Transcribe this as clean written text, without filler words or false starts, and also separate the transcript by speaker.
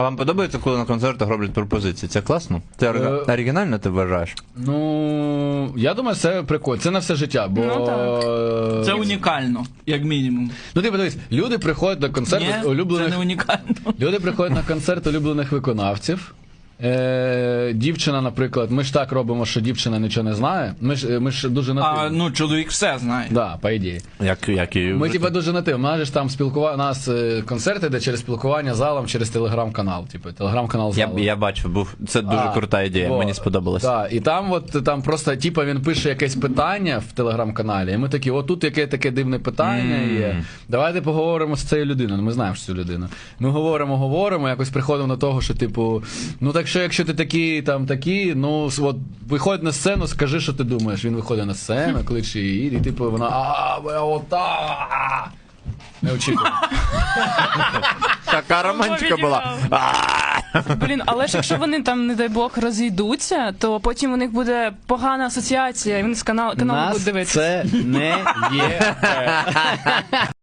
Speaker 1: А вам подобається, коли на концертах роблять пропозиції? Це класно? Це оригінально, ти вважаєш?
Speaker 2: Ну, я думаю, це прикольно. Це на все життя, бо...
Speaker 3: Ну, так.
Speaker 4: Це унікально, як мінімум.
Speaker 2: Ну, ти подивись, люди приходять на концерти
Speaker 4: Ні,
Speaker 2: улюблених...
Speaker 4: це не унікально.
Speaker 2: Люди приходять на концерт улюблених виконавців. Дівчина, наприклад, ми ж так робимо, що дівчина нічого не знає. Ми ж дуже нативні.
Speaker 4: А, ну, чоловік все знає.
Speaker 2: Да, по ідеї.
Speaker 1: Як і...
Speaker 2: Ми типа дуже нативні. У нас ж там у нас концерти, де через спілкування з залом, через телеграм-канал. Типу, телеграм-канал залу.
Speaker 1: Я бачив, це дуже крута ідея, мені сподобалось.
Speaker 2: Так, і там просто, типа, він пише якесь питання в телеграм-каналі, і ми такі, отут яке таке дивне питання є. Давайте поговоримо з цією людиною. Ми знаємо, що цю людину. Ми говоримо, якось приходимо до того, що, типу, ну так що, якщо ти такий, ну, от, виходь на сцену, скажи, що ти думаєш. Він виходить на сцену, кличе її, і типу, вона, не очікував.
Speaker 1: Така романтика була.
Speaker 3: Блін, але ж якщо вони там, не дай Бог, розійдуться, то потім у них буде погана асоціація, і вони з каналу будуть дивитися.
Speaker 2: Це не є.